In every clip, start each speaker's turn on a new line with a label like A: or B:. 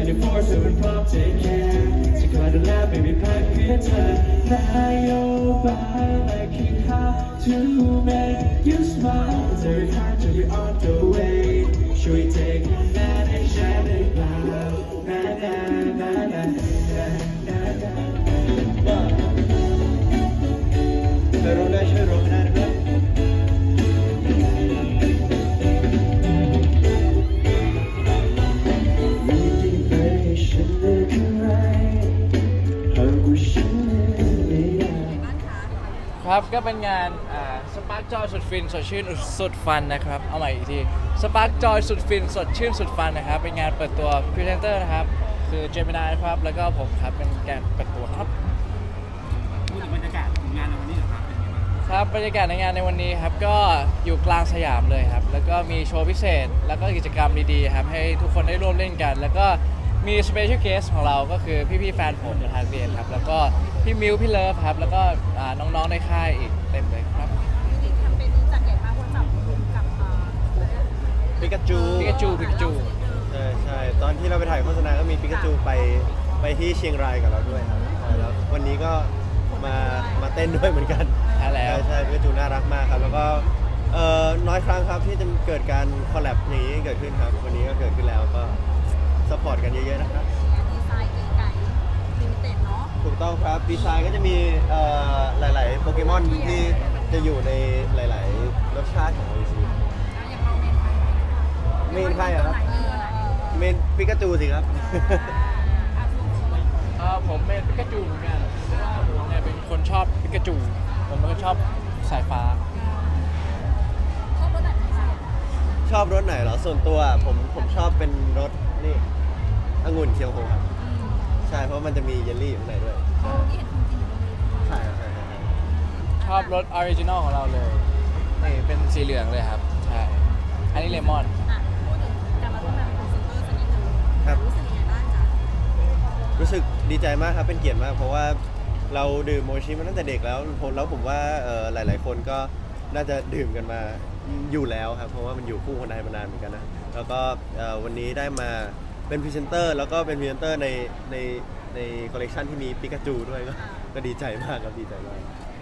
A: 24/7พร้อม take care จะคอยดูแลไม่มีพักเพื่อเธอนโยบายและคิด how to make you smile it's very hard to be on the way ช่วย take that and share it loud na na na na na na na ช่วยร้องได้ช่วยร้องได้นะครับ
B: ครับก็เป็นงานสปาร์กจอยสุดฟินสดชื่นสุดฟันนะครับเอาใหม่อีกทีสปาร์กจอยสุดฟินสดชื่นสุดฟันนะครับเป็นงานเปิดตัวพรีเซนเตอร์นะครับคือเจมินายครับแล้วก็ผมครับเป็นการเปิดตัวครับ
C: พูดถึงบรรยากาศงานในวันนี้เหรอครับเป็นยังไงบ้าง
B: ครับบรรยากาศในงานในวันนี้ครับก็อยู่กลางสยามเลยครับแล้วก็มีโชว์พิเศษแล้วก็กิจกรรมดีๆครับให้ทุกคนได้ร่วมเล่นกันแล้วก็มีสเปเชียลเกสของเราก็คือพี่ๆแฟนผมในทางเรียนครับแล้วก็พี่มิวพี่เลิฟครับแล้วก็น้องๆในค่ายอีกเต็มเลยครับ
D: จริงๆแคมเปญนี้จัดใหญ่มากเพราะจับกลุ่มกับ
A: ปิกาจู ใช่ตอนที่เราไปถ่ายโฆษณาก็มีปิกาจูไปที่เชียงรายกับเราด้วยครับแล้ววันนี้ก็มาเต้นด้วยเหมือนกัน
B: ใช่แล้ว
A: ใช่ปิกาจูน่ารักมากครับแล้วก็น้อยครั้งครับที่จะเกิดการคอลแลบอย่างนี้เกิดขึ้นครับวันนี้ก็เกิดขึ้นแล้วก็ซัพพอร์ตกันเยอะๆนะครับ
D: ดีไซน์ไก่ลิมิเต็ดเนาะ
A: ถูกต้องครับดีไซน์ก็จะมีหลายๆโปเกมอนที่จะอยู่ในหลายๆรสชาติของโออิชิ
D: อย่างเราเมนใคร
A: ครับเมนปิกาจูสิครับ
B: ผมเป็นปิกาจูเหมือนกันผมเนี่ยเป็นคนชอบปิกาจูผมเป็นคนชอบสายฟ้า
A: ชอบรถไหนเหรอส่วนตัวผมชอบเป็นรถนี่องุ่นเคียวโฮครับใช่เพราะมันจะมีเยลลี่อยู่ข้างในด้วยใช่ครับใช่
B: ชอบรสออริจินอลของเราเลยนี่เป็นสีเหลืองเลยครับใช่อันนี้เลมอน
D: พูดถึงการมาร่วมงานกับพรีเซนเตอร์สักนิดนึงรู้สึกยังไงบ้างจ๊ะ
A: รู้สึกดีใจมากครับเป็นเกียรติมากเพราะว่าเราดื่มโมชิมาตั้งแต่เด็กแล้วผมว่าหลายๆคนก็น่าจะดื่มกันมาอยู่แล้วครับเพราะว่ามันอยู่คู่คนไทยมานานเหมือนกันนะแล้วก็วันนี้ได้มาเป็นพรีเซนเตอร์แล้วก็เป็นพรีเซนเตอร์ในคอลเลกชันที่มีปิกาจูด้วยก็ดีใจมากครับดีใจมาก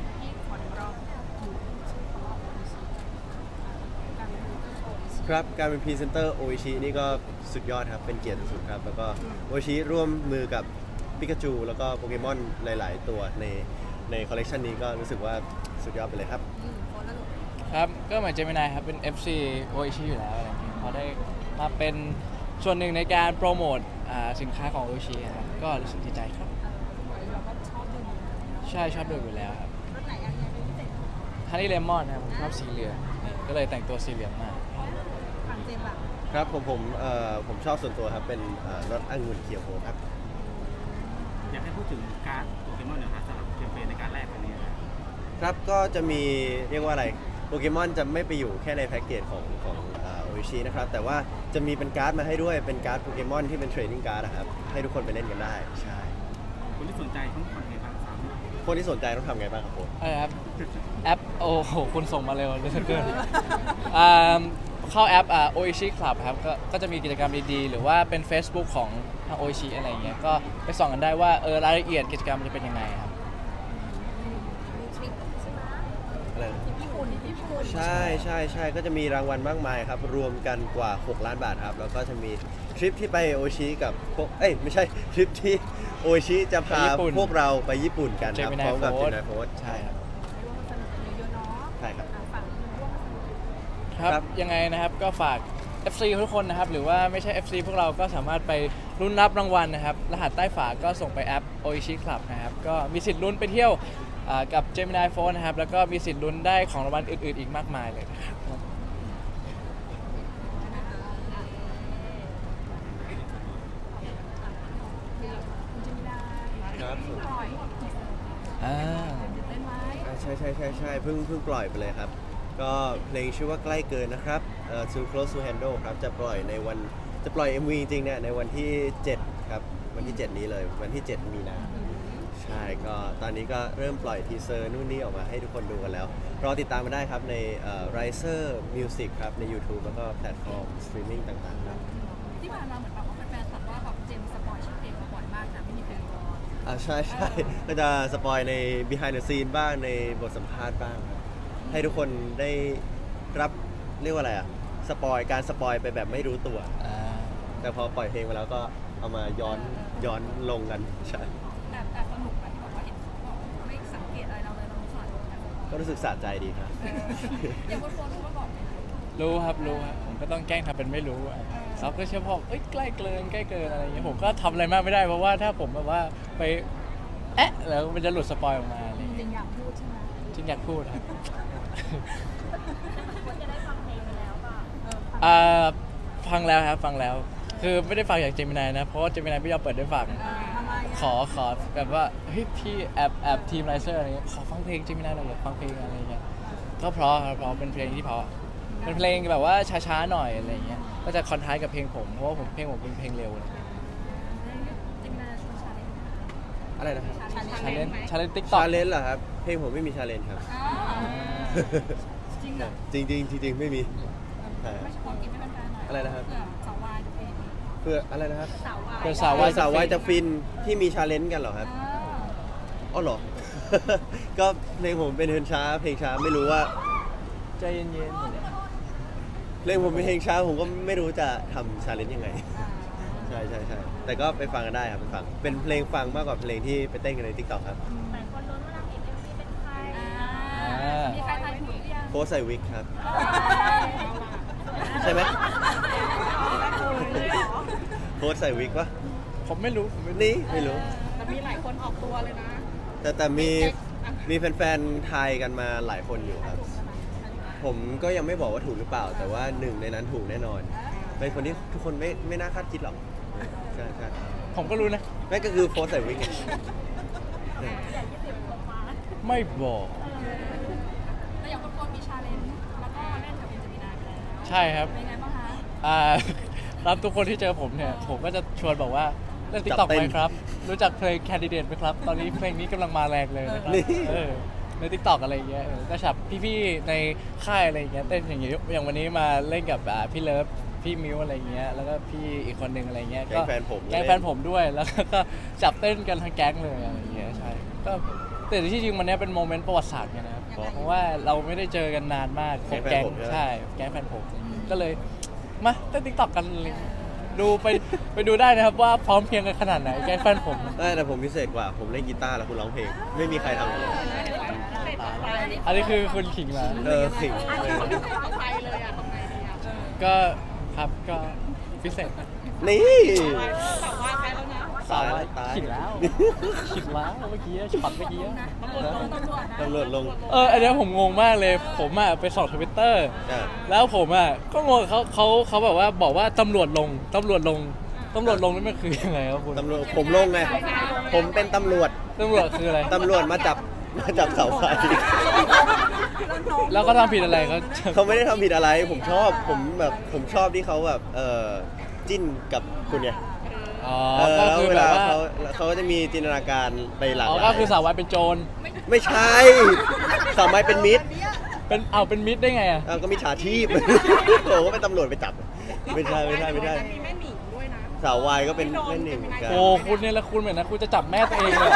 A: ครับการเป็นพรีเซนเตอร์โออิชินี่ก็สุดยอดครับเป็นเกียรติสุดครับแล้วก็โออิชิร่วมมือกับปิกาจูแล้วก็โปเกมอนหลายๆตัวในคอลเลกชันนี้ก็รู้สึกว่าสุดยอดไปเลยครับ
B: ครับก็เหมือนเจมินายครับเป็น FC โออิชิอยู่แล้วอะไรอย่างเงี้ยพอได้มาเป็นส่วนหนึ่งในการโปรโมทสินค้าของโออิชิครับก็รู้สึกดีใจครับใช่ชอบดื่มอยู่แล้วครับฮันนี่เลมอนนะครับผมชอบสีเหลืองก็เลยแต่งตัวสีเหลืองมา
A: ครับผมชอบส่วนตัวครับเป็นรสองุ่นเคียวโฮครับ
C: อยากให้พูดถึงการ์ดโปเกมอนหน่อยครับสำหรับแคมเปญในการแรกวันนี้
A: ครับก็จะมีเรียกว่าอะไรโปเกมอนจะไม่ไปอยู่แค่ในแพ็กเกจของโออิชินะครับแต่ว่าจะมีเป็นการ์ดมาให้ด้วยเป็นการ์ดโปเกมอนที่เป็นเทรดดิ้งการ์ดนะครับให้ทุกคนไปเล่นกันได้ใช่
C: คนที่สนใจต้องทำไงบ้างครับ
A: คนที่สนใจต้องทำไงบ้างครับผม
B: ครับแอปโอ้โหคุณส่งมาเร็วเหลือเกินเข้าแอปโออิชิคลับครับก็จะมีกิจกรรมดีๆหรือว่าเป็น Facebook ของทางโออิชิอะไรอย่างเงี้ยก็ไปส่องกันได้ว่ารายละเอียดกิจกรรมจะเป็นยังไงครับ
A: ใช่ก็จะมีรางวัลมากมายครับรวมกันกว่า6 ล้านบาทครับแล้วก็จะมีทริปที่ไปโออิชิกับพวกไม่ใช่ทริปที่โออิชิจะพาพวกเราไปญี่ปุ่นกันครับพร้อมกับเจมินายโฟร์
B: ใช่ครับ
A: ใช่ครับ
B: ครับยังไงนะครับก็ฝาก FC ทุกคนนะครับหรือว่าไม่ใช่ FC พวกเราก็สามารถไปลุ้นรับรางวัลนะครับรหัสใต้ฝาก็ส่งไปแอป Oishi Club นะครับก็มีสิทธิ์ลุ้นไปเที่ยวกับ Gemini Phone นะครับแล้วก็มีสิทธิ์ลุ้นได้ของรางวัลอื่นๆอีกมากมายเลยนะครับ
A: ใช่เพิ่งปล่อยไปเลยครับก็เพลงชื่อว่าใกล้เกินนะครับ Too Close to Handle ครับจะปล่อย MV จริงๆเนี่ยในวันที่7ครับวันที่7นี้เลยวันที่7มีนาใช่ก็ตอนนี้ก็เริ่มปล่อยทีเซอร์นู่นนี่ออกมาให้ทุกคนดูกันแล้วรอติดตามมาได้ครับในRiser Music ครับใน YouTube แล้วก็แพลตฟอร์มสตรีมมิ่งต่างๆครับ
D: ที่ผ่านมาเหมือนแบบว่าแฟนๆตัดว่าแบบเจมส์
A: ใช่ใช่ก็จะสปอยใน behind the scene บ้างในบทสัมภาษณ์บ้างครับให้ทุกคนได้รับเรียกว่าอะไรสปอยการสปอยไปแบบไม่รู้ตัว แต่พอปล่อยเพลงไปแล้วก็เอามาย้อนลงกันใช่
D: แต่สนุกนะที่บอกว่าเห็นเขาบอกไม่สังเกตอะไรเราเลยเราสอนแต่
A: ก็รู้สึกสะใจดีครับ
D: อย่างคนรู้มาก่อนไหม
B: รู้ครับผมก็ต้องแกล้งทำเป็นไม่รู้เขาก็เชื่อพ่อใกล้เกินอะไรอย่างเงี้ยผมก็ทำอะไรมากไม่ได้เพราะว่าถ้าผมแบบว่าไปแล้วมันจะหลุดสปอยออกมาอะไรอย่าง
D: จริ
B: เงี้ย
D: งอยากพูดใช่ไหม
B: จริงอยากพูดครับ
D: ควรจะได้ฟังเพลงไปแล้วป่ะ
B: ฟังแล้วครับฟังแล้ว คือไม่ได้ฟังจากเจมินายนะเพราะว่าเจมินายไม่ยอมเปิดได้ฟัง
D: ทำไม
B: ขอแบบว่าเฮ้ยพี่แอบทีมไลเซอร์อะไรเงี้ยขอฟังเพลงเจมินายหน่อยอยากฟังเพลงอะไรเงี้ยก็เพราะครับเพราะเป็นเพลงที่เพราะเป็นเพลงแบบว่าช้าๆหน่อยอะไรเงี้ยก็จะคอนทราสต์กับเพลงผมเพราะว่าเพลงผมเป็นเพลงเร็วอะไรเงี้ย
D: จิมนาชวนชาเลนจ์
A: อะไรนะครับ
B: ชาเลนติ๊กต็อก
A: ชาเลนจ์เหรอครับเพลงผมไม่มีชาเลนจ์ครับ
D: จริงเหรอ
A: จริงไม่มีใช่
D: ไม่เฉพาะกินไม่เป็นแฟนหน่อย
A: อะไรนะครับ
D: เผื่อสาววายจะเป็น
A: เพื่ออะไรนะครับ
D: สาววาย
B: เพื่อสาว
A: สาววายจะฟินที่มีชาเลนจ์กันเหรอครับอ๋อเหรอ ก็เพลงผมเป็นเพลงช้าไม่รู้ว่า
B: ใจเย็น
A: เพลงผมเป็นเพลงช้าผมก็ไม่รู้จะทำชาเลนจ์ยังไง ใช่แต่ก็ไปฟังกันได้ครับไปฟังเป็นเพลงฟังมากกว่าเพลงที่ไปเต้นกันใน TikTok ครับ
D: แต่คนลุ้นว่านางเอก MV เป็นใครมีใครทายถูกหรือยัง
A: โพสใส่วิกครับ ใช่ไหมโพสใส่วิกปะ
B: ๆผมไม่รู้
A: นี่ไม่รู้
D: แต่มีหลายคนออกตัวเลยนะ
A: แต่มีแฟนๆทายกันมาหลายคนอยู่ครับ ผมก็ยังไม่บอกว่าถูกหรือเปล่า แต่ว่าหนึ่งในนั้นถูกแน่นอน เป็นคนที่ทุกคนไม่น่าคาดคิดหรอกใช่
B: ผมก็รู้นะ
A: นั่นก็คือโพสใส่วิกไง
B: ไม่บอก
D: แต่อย่างคนมีชาเลนจ์แล้วก็เล่นกับเอ็นเจมินาไปแล้ว
B: ใช่ครับ
D: เป็นไงบ้างคะ
B: รับทุกคนที่เจอผมเนี่ย ผมก็จะชวนบอกว่าเล่นติ๊กต็อกไหมครับ รู้จักเพลง Candidate ไหมครับ ตอนนี้เพลงนี้กำลังมาแรงเลยนะครับในติ๊กต็อกอะไรอย่างเงี้ยก็ฉับพี่ๆในค่ายอะไรอย่างเงี้ยเต้นอย่างเงี้ยอย่างวันนี้มาเล่นกับพี่เลิฟพี่มิวอะไรอย่างเงี้ยแล้วก็พี่อีกคนหนึ่งอะไรเงี้ย
A: แก๊งแฟนผม
B: แก๊งแฟนผมด้วยแล้วก็จับเต้นกันทั้งแก๊งเลยอะไรอย่างเงี้ยใช่ก็แต่ที่จริงมันเนี้ยเป็นโมเมนต์ประวัติศาสตร์ไงนะครับเพราะว่าเราไม่ได้เจอกันนานมากของแก๊งใช่แก๊งแฟนผมก็เลยมาเต้นติ๊กต็อกกันเลยดูไปดูได้นะครับว่าพร้อมเพรียงกันขนาดไหนแก๊งแฟนผม
A: แต่ผมพิเศษกว่าผมเล่นกีตาร์แล้วคุณร้องเพลง ไม่มีใครทำเลย
B: อันนี้คือคุณขิงมา
A: ขิง
D: เอาไปเลยอ่ะทำไงดีอ่ะ
B: ก็ครับก็พิเศษ
A: นี่
D: สาววายไปแล้วนะ
A: ตายแล้วตาย
B: ขิงแล้วขิงแล้วเมื่อกี้ช็อตเมื่อกี้
D: ตำรวจลง
B: อันเนี้ยผมงงมากเลยผมอ่ะไปส่อง Twitter แล้วผมอ่ะก็งงเขาแบบว่าบอกว่าตำรวจลงนี่มันคือยังไงครับคุณ
A: ตำรวจผมลงไง ผมเป็นตำรวจ
B: ตำรวจคืออะไร
A: ตำรวจมาจับเสาไฟ
B: แล้วก็ทำผิดอะไรก็
A: เขาไม่ได้ทำผิดอะไร ผมชอบที่เขาแบบจิ้นกับคุณไง
B: อ๋อ
A: แล้
B: ก็
A: ว
B: คือ
A: เว
B: แบ
A: ลา
B: บว่า
A: เขาก็จะมีจินตนาการไปหลากห
B: อ๋อ
A: ลาย
B: ก็คือสาววายเป็นโจร
A: ไม่ใช่สาวไม้เป็นมิตร
B: เป็นมิตรได้ไงอ่ะ
A: ก็มีฉาชีพ โอ้ก็เป็นตำรวจไปจับ ไม่ใช่
D: มีแม่หนิงด้วยนะ
A: สาววายก็เป็นแม่หนึ่งเหมือนกัน
B: โอ้คุณเนี่ยแล้วคุณเหมือนนะคุณจะจับแม่ตัวเองเลย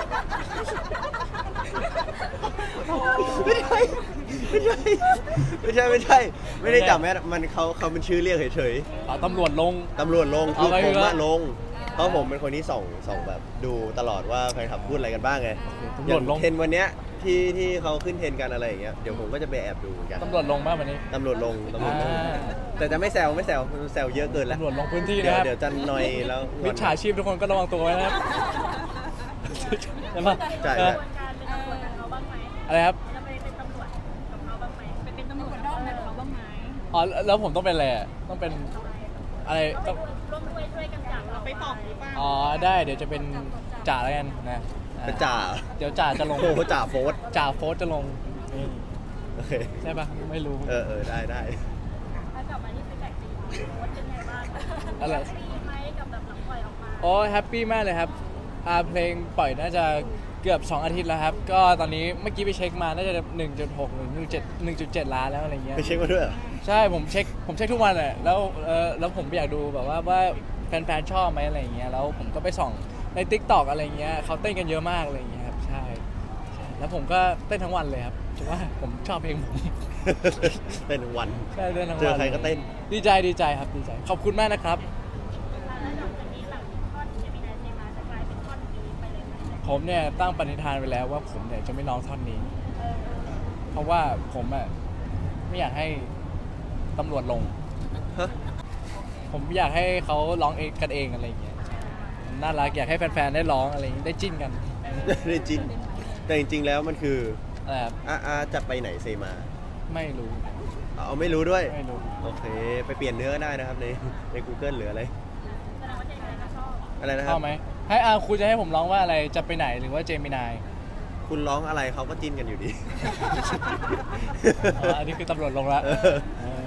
A: ไม่ได้จับแม่มันเขาเป็นชื่อเรียกเฉย
B: อ๋อตำรวจลง
A: ๆตำรวจลงคือ
B: เอาไป
A: ผม
B: เถ
A: อะ
B: อะ
A: ลงเพราะผมเป็นคนที่ส่องแบบดูตลอดว่าแฟนคลับพูดอะไรกันบ้างไง
B: ตำ
A: อ
B: ร
A: ย่าว
B: จ
A: ง
B: ลง
A: เทรนด์วันเนี้ยที่เขาขึ้นเทรนด์กันอะไรอย่างเงี้ยเดี๋ยวผมก็จะไปแอบดูเหมือนกัน
B: ตำรวจลงบ้างวันนี้
A: ตำรวจลง
B: อ่า
A: แต่จะไม่แซวเยอะเกินแล้ว
B: ตำรวจลงพื้นที่นะครับ
A: เดี๋ยวจะนอยแล้วงอน
B: มิจฉาชีพทุกคนก็ระวังตัวไว้นะครับใช่ปะ
A: ใช่
B: เอออะไรครับ
D: เป็นตำรวจด้อมในเขาบ้างไหม
B: อ๋อแล้วผมต้องเป็นอะไรอ่ะต้องเป็นอะไรต้อง
D: ช่วยกันจับเราไปส่องดีป่ะ
B: อ๋อได้เดี๋ยวจะเป็นจ่าแล้วกันนะอ่
A: เป็นจ่า
B: เดี๋ยวจ่าจะลง
A: โอ้โหจ่าโฟส
B: จ่าโฟสจะลงนี่
A: โอเค
B: ใช่ปะไม่รู้
A: ได้
D: ถ้ากลับมาที่เป็นแบกตีโค้ชเป็นไงบ้าง
B: อะไร
D: ดีไหมกับแบบหลังปล่อยออกมา
B: โอ้แฮปปี้มากเลยครับเพลงปล่อยน่าจะเกือบ2 อาทิตย์แล้วครับก็ตอนนี้เมื่อกี้ไปเช็คมาน่าจะ 1.6 หรือ 1.7 ล้านแล้วอะไรเงี้ย
A: ไปเช็คมาด้วยเหรอ
B: ใช่ผมเช็คทุกวันแหละแล้วผมอยากดูแบบว่าแฟนๆชอบไหมอะไรอย่างเงี้ยแล้วผมก็ไปส่องใน TikTok อะไรเงี้ยเขาเต้นกันเยอะมากอะไรเงี้ยครับใช่แล้วผมก็เต้นทั้งวันเลยครับเพราะว่าผมชอบเพลงผม
A: เต้นทั้งวัน
B: ใช่เต้นทั้งวัน
A: เจอใครก็เต้น
B: ดีใจครับดีใจขอบคุณมากนะครับ ผมเนี่ยตั้งปณิธานไว้แล้วว่าผมเนี่ยจะไม่ร้องท่อนนี้ เพราะว่าผมอ่ะไม่อยากให้ตำรวจลง
A: ฮะ
B: ผมอยากให้เขาร้องเองกันเองอะไรอย่างเงี้ยน่ารักอยากให้แฟนๆได้ร้องอะไรอย่างงี้ได้จิ้นกัน
A: ได้จริงแต่จริงๆแล้วมันคือ
B: อะไรครับ
A: จะไปไหนเซมา
B: ไม่รู้
A: เอาไม่รู้ด้วย
B: ไม่รู้
A: โอเค ไปเปลี่ยนเนื้อก็ได้นะครับใน Google หรืออะไรอะไรนะค
B: ช
A: รั
B: อ
A: บบ
B: ไหมให้คุณจะให้ผมร้องว่าอะไรจะไปไหนหรือว่าเจมินาย
A: คุณร้องอะไรเขาก็จิ้นกันอยู่ดี
B: อ๋ออันนี้คือตำรวจลงละ
A: เออ